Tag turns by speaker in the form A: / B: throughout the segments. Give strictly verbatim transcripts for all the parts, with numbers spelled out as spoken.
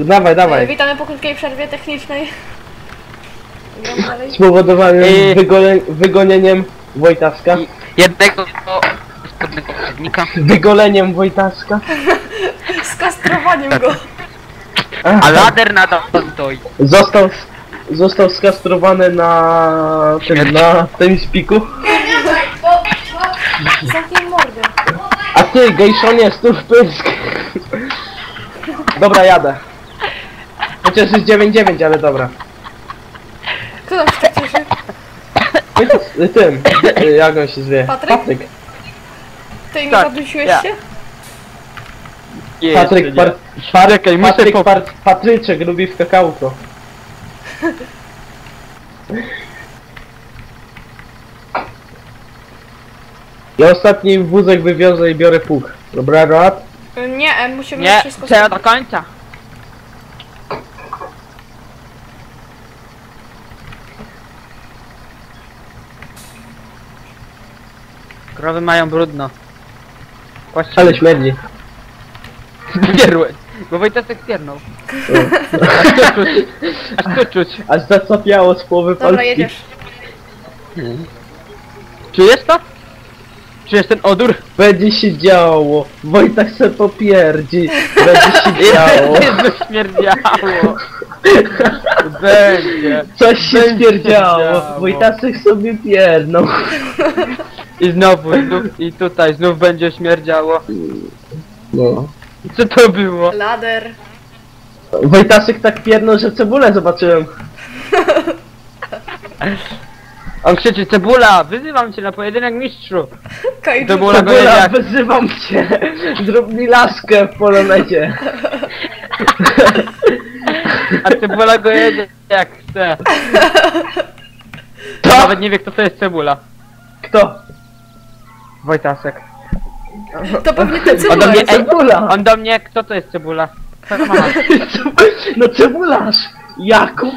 A: Dawaj, dawaj.
B: Witamy po krótkiej przerwie technicznej.
A: Spowodowanym
C: Yy.
A: wygole, wygonieniem Wojtaszka.
C: Jednego spodnego przewodnika.
A: Wygoleniem Wojtaszka.
B: Skastrowaniem go.
C: A lader nadal stoi.
A: Został, został skastrowany na tym, na tym spiku.
B: Zamknij mordę.
A: A ty, gejszonie, stów pysk. Dobra, jadę. Chociaż jest dziewięć dziewięć, ale dobra.
B: Kto tam się tak cieszy?
A: Ty, tym, jak on się zwie?
B: Patryk?
A: Patryk.
B: Ty nie
C: Tak,
B: podnosiłeś
C: ja.
B: się?
A: Patryk, par, par,
C: Czekaj, muszę
A: Patryk
C: po-
A: par, Patryczek lubi w kakałko. Ja ostatni wózek wywiozę i biorę pług. Dobra, rad?
B: Nie, e, musimy
C: Nie,
B: wszystko
C: trzeba do końca. Krowy mają brudno. Właściwie.
A: Ale śmierdzi.
C: Pierły. Bo Wojtasek piernął. Aż tu czuć. Aż tu czuć.
A: Aż zacapiało z połowy
B: Dobra,
A: Polski.
B: jedziesz.
C: Czujesz to? Czujesz ten odór?
A: Będzie się działo. Wojtak se popierdzi. Będzie się działo.
C: Będzie śmierdziało. Będzie.
A: Coś się
C: Będzie
A: stwierdziało.
C: działo.
A: Wojtasek sobie pierdnął.
C: I znowu, i, znów, i tutaj znów będzie śmierdziało.
A: No.
C: Co to było?
B: Lader.
A: Wojtasek tak pierdnął, że cebulę zobaczyłem.
C: On krzyczy, cebula, wyzywam cię na pojedynek mistrzu.
B: Kaiju.
C: To było-
A: Cebula,
C: jak-
A: wyzywam cię. Zrób mi laskę w polonecie.
C: A cebula go jedzie jak chce.
A: Co?
C: Nawet nie wie kto to jest cebula.
A: Kto?
C: Wojtasek.
B: To pewnie ten
C: On do
B: cebula
C: mnie,
B: jest.
C: ej,
A: Cebula.
C: on do mnie, kto to jest cebula? Co to ma?
A: No cebularz. Jakub.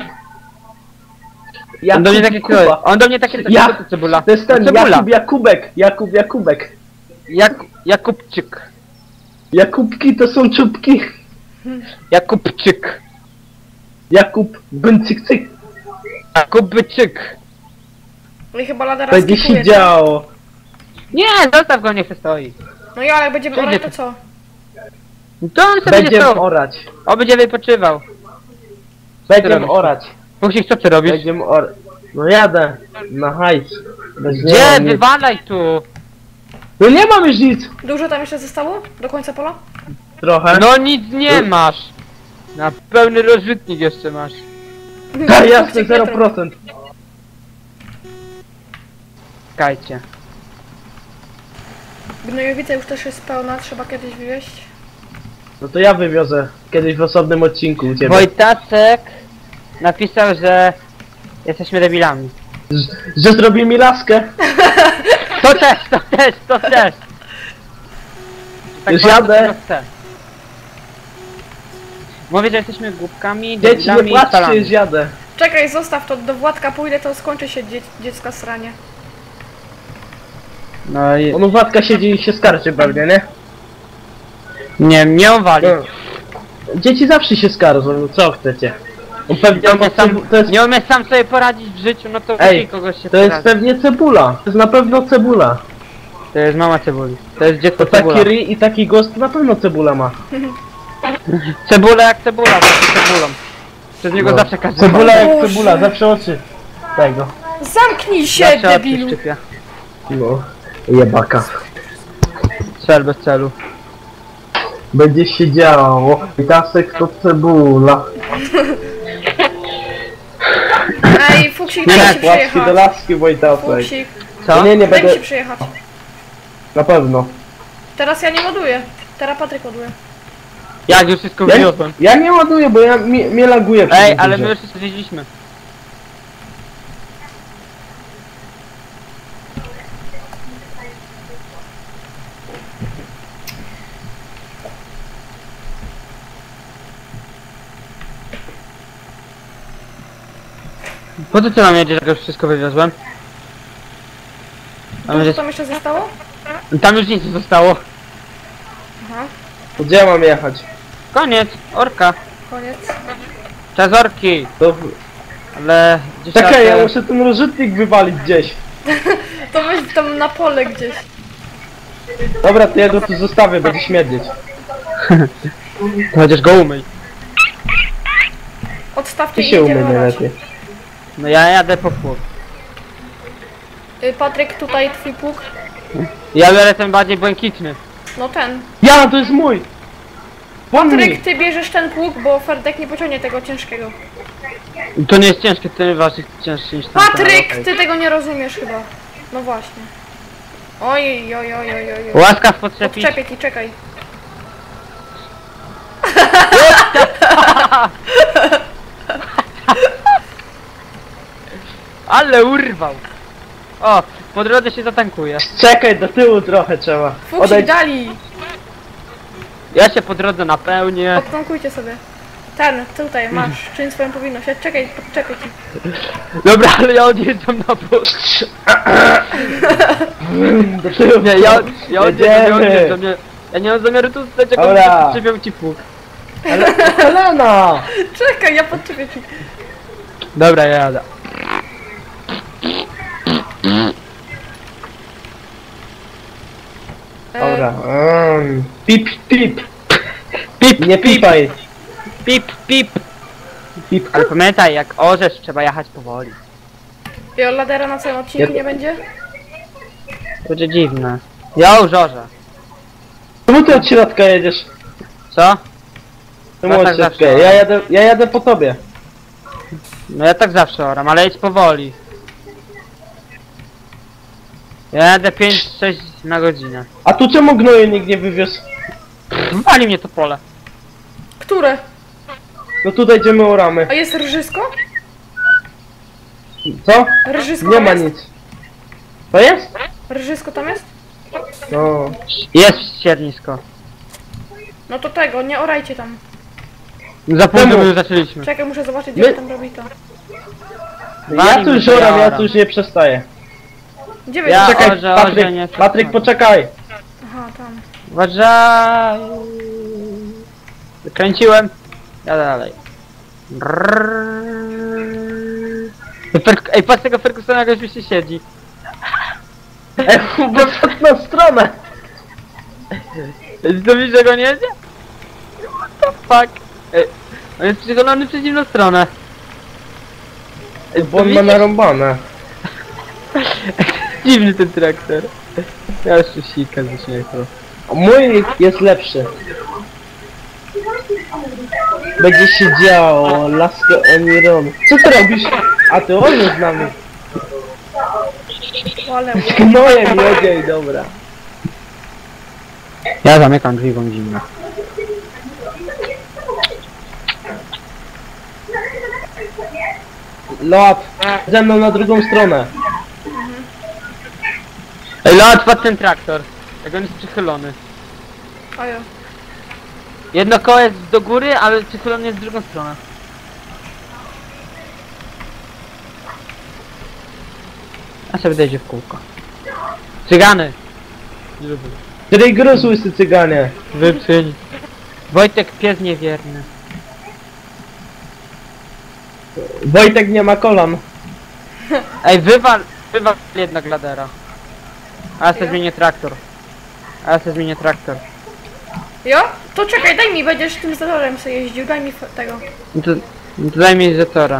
C: On do mnie takie
A: Kuba.
C: kto? On do mnie takie
A: Ja-
C: kto to cebula?
A: To jest ten
C: cebula.
A: Jakub Jakubek. Jakub Jakubek.
C: Jak, Jakubczyk.
A: Jakubki to są czubki.
C: Jakubczyk.
A: Jakub Byncyk-cyk.
C: Jakubczyk.
B: No i chyba ladera
A: Będzie
B: skipuje,
A: się
B: tak?
A: działo.
C: Nie, zostaw go, niech se stoi.
B: No i ale jak będziemy
C: Będzie
B: orać, to
C: to.
B: co?
C: To on sobie będzie
A: Będziemy
C: stał.
A: orać.
C: O, będzie wypoczywał.
A: Będziemy
C: robisz?
A: orać.
C: Musisz, co ty robisz?
A: Będziemy orać. No jadę. Na hajs. Bez nie
C: Gdzie?
A: mam nic.
C: Wywalaj tu.
A: No nie mam już nic.
B: Dużo tam jeszcze zostało? Do końca pola?
A: Trochę.
C: No nic nie masz. Na pełny rozrzutnik jeszcze masz.
A: Tak, jasne, zero procent.
C: Czekajcie.
B: Gnojowica już też jest pełna, trzeba kiedyś wywieźć.
A: No to ja wywiozę kiedyś w osobnym odcinku u ciebie.
C: Wojtacek napisał, że jesteśmy debilami.
A: Z- Że zrobi mi laskę.
C: To też, to też, to też.
A: Już
C: bardzo
A: jadę.
C: tego chcę. Mówię, że jesteśmy głupkami,
A: Dzieci, nie
C: debilami i
A: płaczcie,
C: stalami.
A: już jadę.
B: Czekaj, zostaw to, do Władka pójdę, to skończy się dzie dziecka sranie.
C: No i...
A: On u Władka siedzi i się skarży pewnie, nie?
C: Nie, nie wali.
A: No. Dzieci zawsze się skarżą, no co chcecie? On pewnie
C: Nie umie, sam,
A: to jest,
C: nie umie sam sobie poradzić w życiu, no to
A: Ej,
C: musi kogoś się
A: to jest
C: poradzić.
A: pewnie cebula. To jest na pewno cebula.
C: To jest mama cebuli. To jest dziecko
A: To taki
C: cebula.
A: ryj i taki głos to na pewno cebula ma.
C: Cebula jak cebula, zawsze cebulą. Przez niego
A: No.
C: zawsze każdy
A: Cebula jak
B: Boże.
A: cebula, zawsze oczy. Tego.
B: Zamknij się,
C: zawsze oczy
B: debilu!
C: szczypie.
A: No. Jebaka.
C: Cel bez celu.
A: Będzie się działo. Witasek to cebula.
B: Ej, Fuksik,
A: Nie,
B: daj mi się
A: płaczki do
B: przyjechać.
A: laski Wojtasek.
B: Fuksik,
C: Co?
A: Nie, nie
B: daj mi
A: będę.
B: się przyjechać.
A: Na pewno.
B: Teraz ja nie ładuję. Teraz Patryk ładuje.
C: Jak już wszystko
A: Ja,
C: wywiozłem.
A: ja nie ładuję, bo ja mnie, mnie laguje przy
C: Ej,
A: tym
C: ale
A: turze.
C: my już wszystko zwiedziliśmy. Po co ty nam jedziesz, jak już wszystko wywiozłem? A
B: Dużo
C: będzie...
B: tam jeszcze zostało?
C: Tam już nic nie zostało.
B: Aha.
A: Gdzie ja mam jechać?
C: Koniec, orka.
B: Koniec.
C: Czazorki!
A: To...
C: Ale... gdzieś
A: Czekaj,
C: trzeba
A: ja
C: te-
A: muszę ten rozrzutnik wywalić gdzieś.
B: To weź tam na pole gdzieś.
A: Dobra, to ja go tu zostawię, będzie śmierdzieć.
C: Chociaż go umyj.
B: Odstawcie
A: Ty
B: i
A: się
B: jedziemy
A: umyj
B: orać.
A: najlepiej.
C: No ja jadę po pług.
B: Y, Patryk, tutaj twój pług.
C: Ja biorę ten bardziej błękitny.
B: No ten.
A: Ja, to jest mój! Pomnij!
B: Patryk, ty bierzesz ten pług, bo Ferdek nie pociągnie tego ciężkiego.
C: To nie jest ciężkie, ten waży cięższy niż tamten.
B: Patryk, ty tego nie rozumiesz chyba. No właśnie. Oj, oj, oj, oj, oj. oj.
C: Łaskaw podczepić.
B: Odczepię ci, czekaj.
C: Ale urwał! O, po drodze się zatankuje.
A: Czekaj, do tyłu trochę trzeba.
B: Fuksik
A: Odejdź.
B: dali.
C: Ja się po drodze napełnię.
B: Odtankujcie sobie. Ten, tutaj masz, czyń swoją powinność. Ja czekaj, podczepię ci.
C: Dobra, ale ja odjeżdżam na bok.
A: Do tyłu.
C: Nie, ja, ja odjeżdżam, ja
A: Jedziemy.
C: odjeżdżam. Nie, ja nie mam zamiaru tu stać, jak
A: Dobra.
C: on przyczepiał ci pług.
A: Ale Helena!
B: Czekaj, ja podczepię ci.
C: Dobra, ja jadę.
B: E,
A: Dobra. Um, pip, pip.
C: Pip,
A: Nie pipaj.
C: pip, pip.
A: Pip.
C: Ale pamiętaj, jak orzesz, trzeba jechać powoli.
B: I ladera na całym odcinku
A: Ja-
B: nie będzie?
C: Będzie dziwne. Ja już orzę.
A: Czemu ty od środka jedziesz?
C: Co?
A: Czemu
C: No
A: od
C: tak
A: środka?
C: zawsze.
A: Ja jadę, ja jadę po tobie.
C: No ja tak zawsze oram, ale jedź powoli. Ja jadę pięć sześć na godzinę.
A: A tu czemu gnoju nikt nie wywiózł?
C: Wali mnie to pole.
B: Które?
A: No tutaj idziemy o ramy.
B: A jest rżysko?
A: Co?
B: Rżysko
A: Nie
B: tam
A: ma
B: jest?
A: nic. To jest?
B: Rżysko tam jest?
A: No.
C: Jest ściernisko.
B: No to tego, nie orajcie tam.
C: Za pół
A: Czemu?
C: już zaczęliśmy.
B: Czekaj, muszę zobaczyć,
A: My-
B: gdzie wy tam robi to.
A: Ja
C: Wali
A: tu
C: mnie
A: już
C: to,
A: oram, ja
C: oram.
A: tu już nie przestaję.
B: Gdzie wy
C: Ja-
B: ja...
A: Czekaj,
C: orze,
A: Patryk,
C: orze, nie
A: Patryk,
C: przestań.
A: poczekaj.
B: Aha, tam.
C: Uważaj. Kręciłem. Jadę dalej. Fer- Ej, patrz tego Fergusona, jak już się siedzi.
A: Ej, bo w na stronę.
C: To widzisz, że go nie jedzie? What the fuck? Ej, on jest przychylony w przeciwną stronę.
A: Bo on ma narąbane.
C: Dziwny ten traktor. Ja już się sikam ze śmiechu.
A: Mój jest lepszy. Będzie się działo, lasko Oniron. Co ty robisz? A ty on jest z nami.
B: O, ale...
A: Z gnojem jedzie i dobra.
C: Ja zamykam drzwi, bo mi zimno.
A: Lot, ze mną na drugą stronę.
C: Ej, lot, patrz ten traktor. Jak on jest przychylony.
B: Ojo.
C: Jedno koło jest do góry, ale przychylony jest w drugą stronę. A sobie dojdzie w kółko. Cygany!
A: Której gruz łysy cyganie.
C: Wypsyń. Wojtek, pies niewierny.
A: Wojtek nie ma kolan.
C: Ej, wywal, wywal jednak ladera. A ja sobie zmienię traktor. A ja sobie zmienię traktor.
B: Jo? To czekaj, daj mi, będziesz tym zatorem sobie jeździł, daj mi f- tego.
C: No to, no to daj mi Zetora.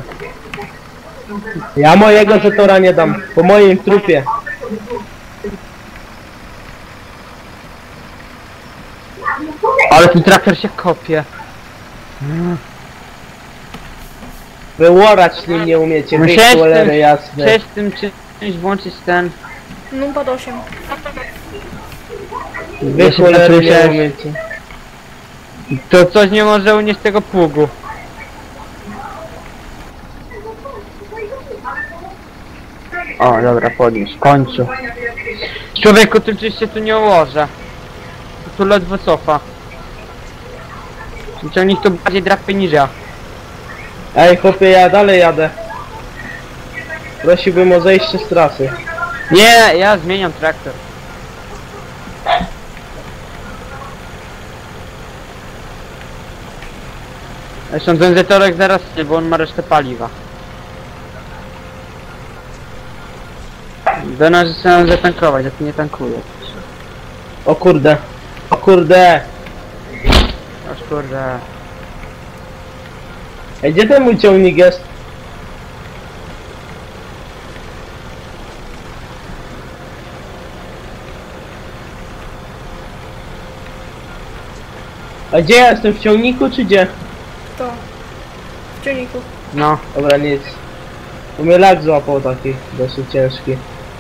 A: Ja mojego Zetora nie dam, po moim trupie.
C: Ale ten traktor się kopie.
A: Wyłorać nim nie umiecie, wy
C: Musiałeś
A: cholery
C: tym,
A: jasne.
C: chciałeś tym czymś włączyć ten...
B: Numpad osiem.
A: Wy
C: Ja się
A: cholery nie
C: patrzyłem.
A: umiecie.
C: To coś nie może unieść tego pługu. O, dobra, podniósł, w końcu. Człowieku, ty przecież się tu nie ułożę. Tu ledwo cofa. Ciągnik to bardziej drapie niż ja.
A: Ej chłopie, ja dalej jadę. Prosiłbym o zejście z trasy.
C: Nie, ja zmieniam traktor. Zresztą ten zetorek zaraz nie, bo on ma resztę paliwa. Do nas chcę zatankować, a ty nie tankuje.
A: O kurde. O kurde.
C: Aż kurde.
A: Ej, gdzie ten mój ciągnik jest? A gdzie ja jestem? W ciągniku czy gdzie?
B: To. W ciągniku.
C: No.
A: Dobra, nic. Bo mnie lag złapał taki dosyć ciężki.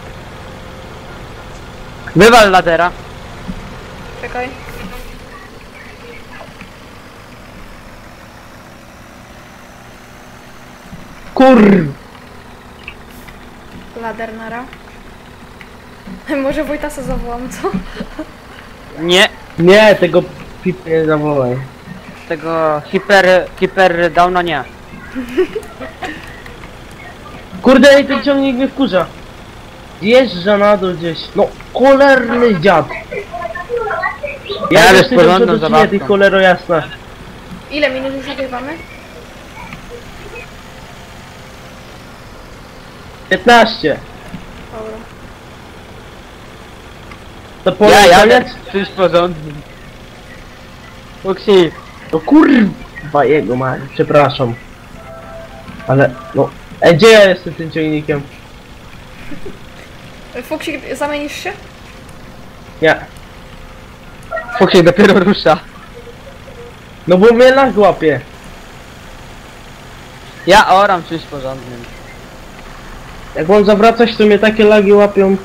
C: Wywal ladera.
B: Czekaj.
A: Kur...
B: Lader nara. Może Wojtasa zawołam, co?
C: Nie.
A: Nie, tego pip nie zawołaj.
C: Tego hiper... hiper downa nie.
A: Kurde, ej, ten ciągnik mnie wkurza. Zjeżdża na dół gdzieś. No, cholerny dziad. Ja
C: Ale
A: już
C: z
A: nie
C: porządną
A: wiem, co
C: zabawką.
A: ty cholero jasna.
B: Ile minut już nagrywamy?
A: piętnaście.
B: Dobra.
A: To po
C: Ja jadę
A: koniec?
C: czymś porządnym. Uksi.
A: No kurwa jego ma, przepraszam. Ale, no... Ej, gdzie ja jestem tym ciągnikiem?
B: Fuksik, zamienisz się?
A: Nie.
C: Fuksiek dopiero rusza.
A: No bo mnie lag łapie.
C: Ja oram czymś porządnym.
A: Jak mam zawracać, to mnie takie lagi łapią.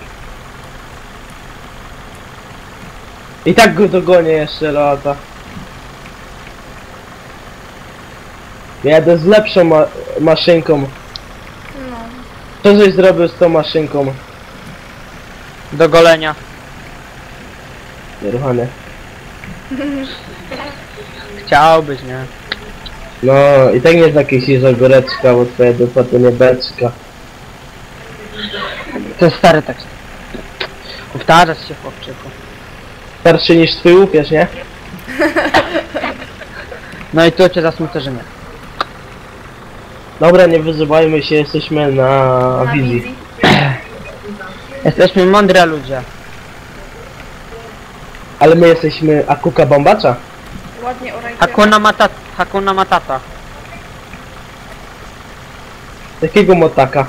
A: I tak go dogonię jeszcze lata. Jadę z lepszą ma maszynką.
B: No.
A: Co żeś zrobił z tą maszynką?
C: Do golenia.
A: Nieruchane.
C: Chciałbyś, nie?
A: No i tak nie jest jakieś izogóreczka, bo twoja dupa to nie beczka.
C: To jest stary tekst. Powtarzasz się, chłopczyku.
A: Starszy niż twój łupież, nie?
C: No i tu cię zasmucę, że nie.
A: Dobra, nie wyzywajmy się, jesteśmy na,
B: Na
A: wizji.
B: wizji.
C: Jesteśmy mądre ludzie.
A: Ale my jesteśmy Akuka Bombacza.
B: Ładnie orajcie.
C: Hakuna Matata. Hakuna Matata.
A: Jakiego motaka?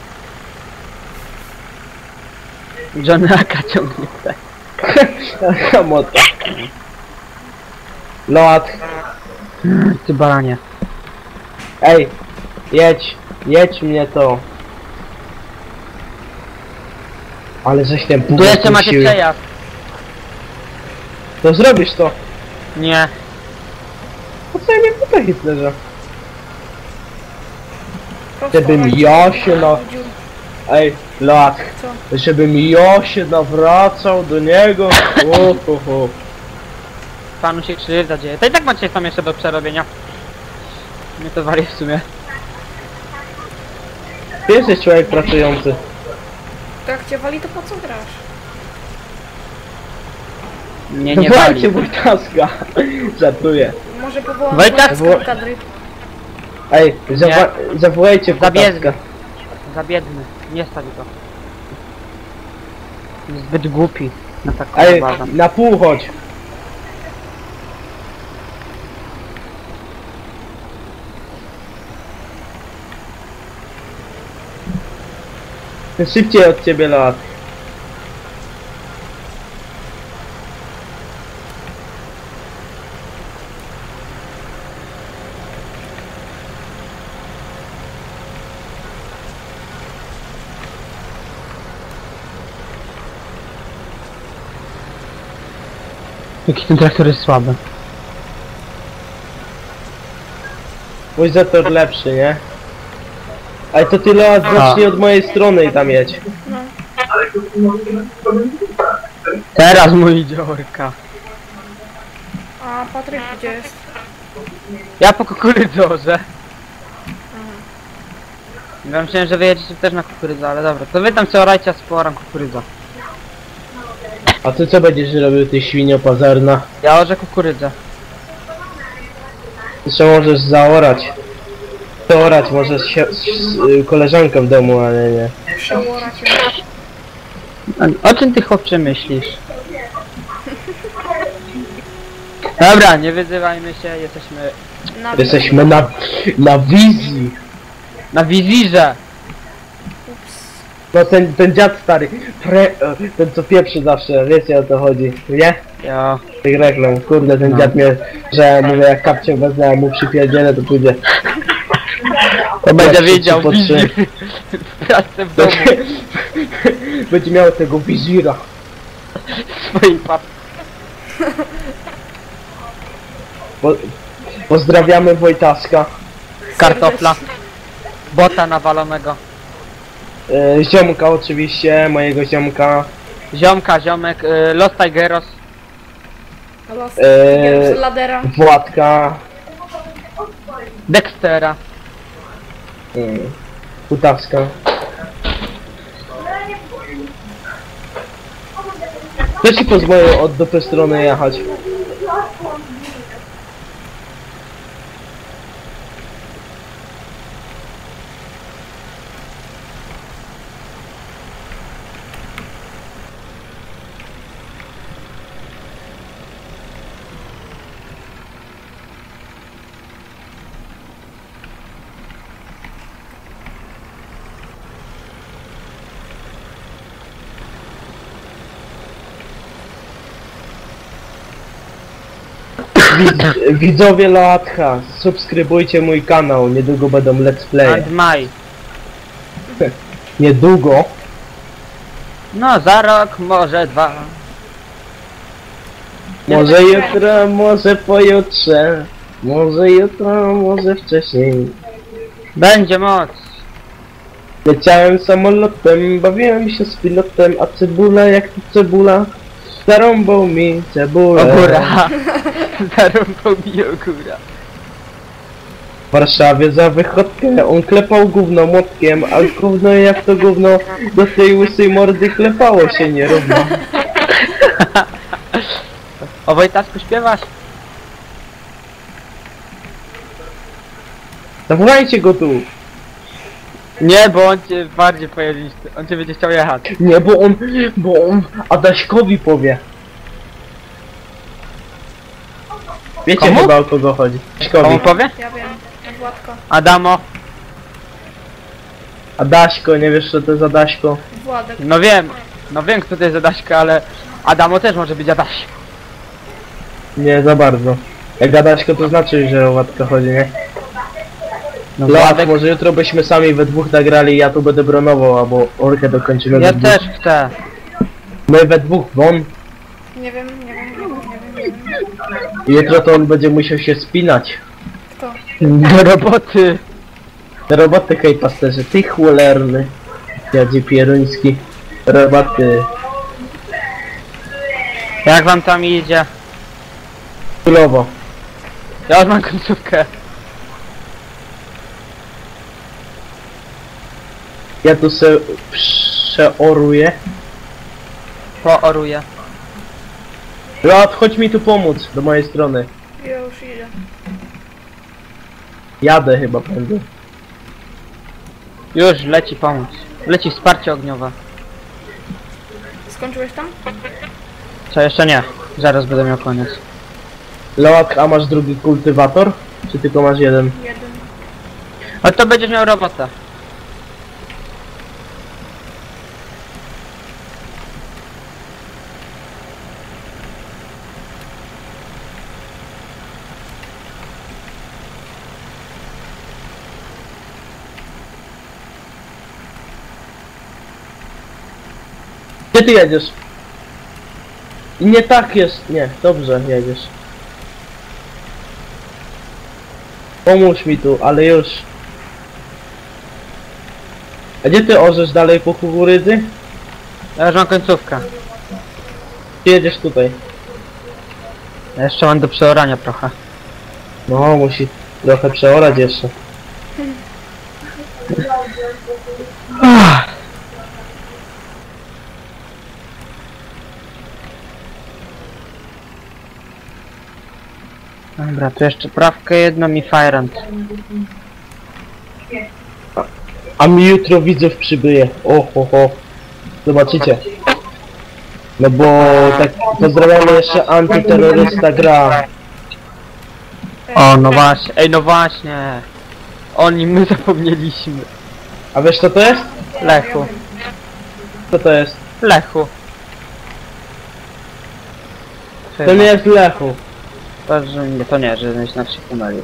C: Johnny Aka ciągnie tutaj.
A: Jaka mota? Loat.
C: Ty baranie.
A: Ej, jedź, jedź mnie to. Ale żeś ten pół
C: Tu jeszcze macie
A: puścił.
C: przejazd.
A: To zrobisz to.
C: Nie.
A: Po co ja mnie tutaj Hitlerze?
B: Prosto
A: Żebym
B: orajcie.
A: ja się na... Ej, Loat.
B: Co?
A: Żebym ja się nawracał do niego. Ohoho.
C: Panu się krzywda dzieje. To i tak macie tam jeszcze do przerobienia. Mnie to wali w sumie.
A: Ty jesteś człowiek pracujący.
B: To jak cię wali, to po co grasz?
C: Nie, nie wali.
A: Walcie Wojtaska. Żartuję.
B: Może powołam
C: Wojtas-
B: Wojtasa do kadry.
A: Ej, zawa zawołajcie
C: Zabiedny.
A: Wojtaska.
C: Za biedny. Nie stawi to. Jest zbyt głupi na taką
A: Ej,
C: zabawę.
A: na pół chodź. Szybciej od ciebie lat.
C: Jaki ten traktor jest słaby.
A: Mój zator lepszy, nie? Ale to ty lat zacznij od mojej strony i tam jedź.
B: No.
C: Teraz mój idzie orka.
B: A Patryk gdzie jest?
C: Ja po kukurydzorze. Ja myślałem, że wy jedziecie też na kukurydzę, ale dobra. To wy tam co orajcie, a sporam kukurydza.
A: A ty co będziesz robił, ty świnio pazarna?
C: Ja orze kukurydzę.
A: Jeszcze możesz zaorać. Zaorać możesz się z, z y, koleżanką w domu, ale nie.
B: Przełorać ją.
C: A o czym ty chłopcze myślisz? Dobra, nie wyzywajmy się, jesteśmy
B: Na
A: Jesteśmy na, na wizji.
C: na wizirze.
B: Ups.
A: No ten, ten dziad stary, pre, ten co pieprzy zawsze, wiecie o co chodzi, nie?
C: Jo.
A: Tych reklam, kurde ten
C: No.
A: dziad mnie, że mówię jak kapcię wezmę, a mu przypierdzielę to pójdzie.
C: To będzie
A: trzy,
C: wiedział
A: trzy po trzy.
C: wizir w pracę w domu
A: Będzie miał tego wizira.
C: swojej papy.
A: Po, pozdrawiamy Wojtaska,
C: Kartofla. Bota nawalonego.
A: e, ziomka oczywiście, mojego ziomka.
C: Ziomka, ziomek, y, Los Tigeros.
B: Los
A: Eee.
B: z ladera.
A: Władka,
C: Dextera.
A: mm, Kutawska. Kto ci pozwolił od dupy strony jechać? Widz, widzowie Loatka, subskrybujcie mój kanał, niedługo będą let's play.
C: And Maj.
A: Niedługo.
C: No za rok, może dwa.
A: Może jutro, może pojutrze. Może jutro, może wcześniej.
C: Będzie moc.
A: Leciałem samolotem, bawiłem się z pilotem, a cebula jak to cebula. Zarąbał mi cebulę.
C: Ogóra. Zarąbał mi ogóra.
A: W Warszawie za wychodkę, on klepał gówno młotkiem, a gówno jak to gówno do tej łysej mordy klepało się nierówno.
C: O Wojtasku śpiewasz?
A: Zawołajcie go tu.
C: Nie, bo on cię bardziej pojedzie, on cię będzie chciał jechać.
A: Nie, bo on, bo on Adaśkowi powie. Wiecie
C: Komu?
A: chyba o kogo chodzi.
C: Komu
A: Adaśkowi.
C: powie?
B: Ja wiem. Władko.
C: Adamo.
A: Adaśko, nie wiesz co to jest Adaśko?
B: Władek.
C: No wiem, no wiem kto to jest Adaśka, ale Adamo też może być Adaś.
A: Nie za bardzo. Jak Adaśko to znaczy, że o Władka chodzi, nie?
C: No
A: Loat,
C: Władek,
A: może jutro byśmy sami we dwóch nagrali i ja tu będę bronował, albo orkę dokończymy
C: ja
A: we dwóch.
C: też chcę.
A: My we dwóch, won.
B: Nie wiem, nie wiem, nie wiem, nie wiem, nie wiem.
A: I jutro to on będzie musiał się spinać.
B: Kto?
C: Do roboty.
A: Do roboty, hej pasterze, ty cholerny. Jadzie pieruński. Roboty.
C: Jak wam tam idzie?
A: Królowo.
C: Ja już mam końcówkę.
A: Ja tu se przeoruję.
C: Pooruję.
A: Loat, chodź mi tu pomóc, do mojej strony.
B: Ja już idę.
A: Jadę chyba będę.
C: Już leci pomóc. Leci wsparcie ogniowe.
B: Skończyłeś tam?
C: Co jeszcze nie? Zaraz będę miał koniec.
A: Loat, a masz drugi kultywator? Czy tylko masz jeden?
B: Jeden.
C: A to będziesz miał robotę.
A: Gdzie ty jedziesz? I nie tak jest, nie, dobrze jedziesz. Pomóż mi tu, ale już. A gdzie ty orzesz dalej po kukurydzy?
C: Ja już mam końcówkę.
A: Ty jedziesz tutaj.
C: Ja jeszcze mam do przeorania trochę.
A: No, musi trochę przeorać jeszcze.
C: Dobra, tu jeszcze prawkę jedną i Firant.
A: A mi jutro widzów przybyje. O, ho, ho. Zobaczycie. No bo tak pozdrawiamy jeszcze antyterrorysta gra.
C: O, no właśnie, ej, no właśnie. O nim my zapomnieliśmy.
A: A wiesz co to jest?
C: Lechu,
A: Co to jest?
C: Lechu.
A: To nie jest Lechu.
C: To, że nie, to nie, że znaczy się pomylił.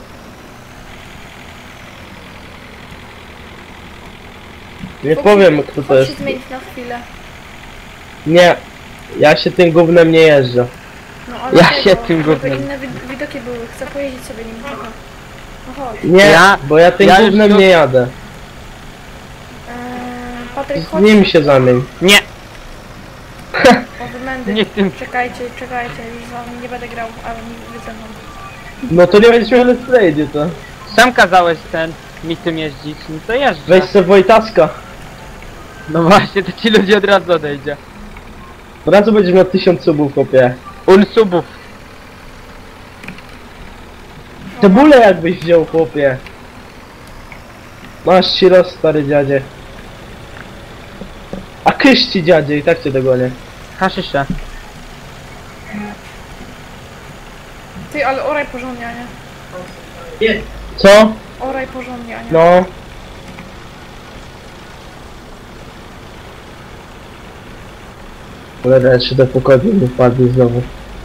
A: Nie powiem kto to
B: Chodź
A: jest.
B: się zmienić na chwilę.
A: Nie. Ja się tym gównem nie jeżdżę.
B: No ale
C: Ja
B: tego,
C: się tym
B: żeby
C: gównem-
B: inne wid widoki były, chcę pojeździć sobie nim trochę. No chodź.
A: Nie,
C: Ja-
A: bo ja tym
C: ja już
A: gównem
C: tu-
A: nie jadę.
B: Eee, Patryk,
A: Z
B: chodź.
A: nim się zamień.
C: Nie,
B: O, wymędy.
C: nie tym.
B: Czekajcie, czekajcie, już z wami nie będę grał, ale nie wy ze mną.
A: No to nie będziesz miał let's play, gdzie to?
C: Sam kazałeś ten, mi tym jeździć, no to jeżdżę.
A: Weź se Wojtaska.
C: No właśnie, to ci ludzie od razu odejdzie.
A: Od razu będziesz miał tysiąc subów, chłopie.
C: Unsubów.
A: Cebulę jakbyś wziął, chłopie. Masz ci roz, stary dziadzie. A kysz ci dziadzie i tak cię dogonię.
C: Haszysze.
B: Ty, ale oraj porządnie, a nie?
A: Co?
B: Oraj porządnie, a nie?
A: No. Cholera, jeszcze do pokoju nie wpadli znowu.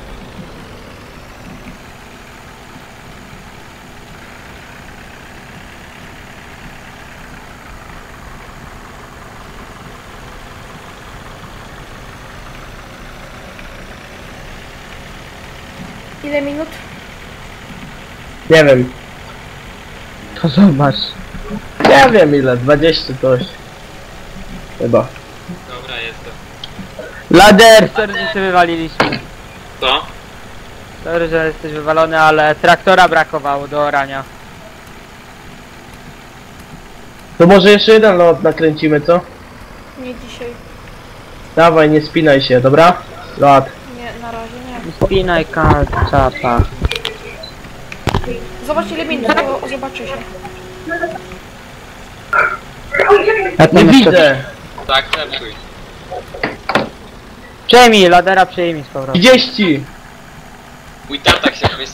B: Ile minut?
A: Nie wiem.
C: To zobacz.
A: Nie wiem ile, dwadzieścia coś. Chyba.
D: Dobra, jestem.
C: Lader, sorry, że się wywaliliśmy.
D: Co?
C: Sorry, że jesteś wywalony, ale traktora brakowało do orania.
A: To może jeszcze jeden lot nakręcimy, co?
B: Nie dzisiaj.
A: Dawaj, nie spinaj się, dobra? Lot.
B: Nie, na razie nie.
C: Spinaj kalczapa.
B: Zobacz ile minut, to zobaczy się.
C: Ja
A: Nie widzę.
D: Tak, zepsuj.
C: Przejmij, ladera przejmij z powrotem.
A: trzydzieści.
D: Mój tata się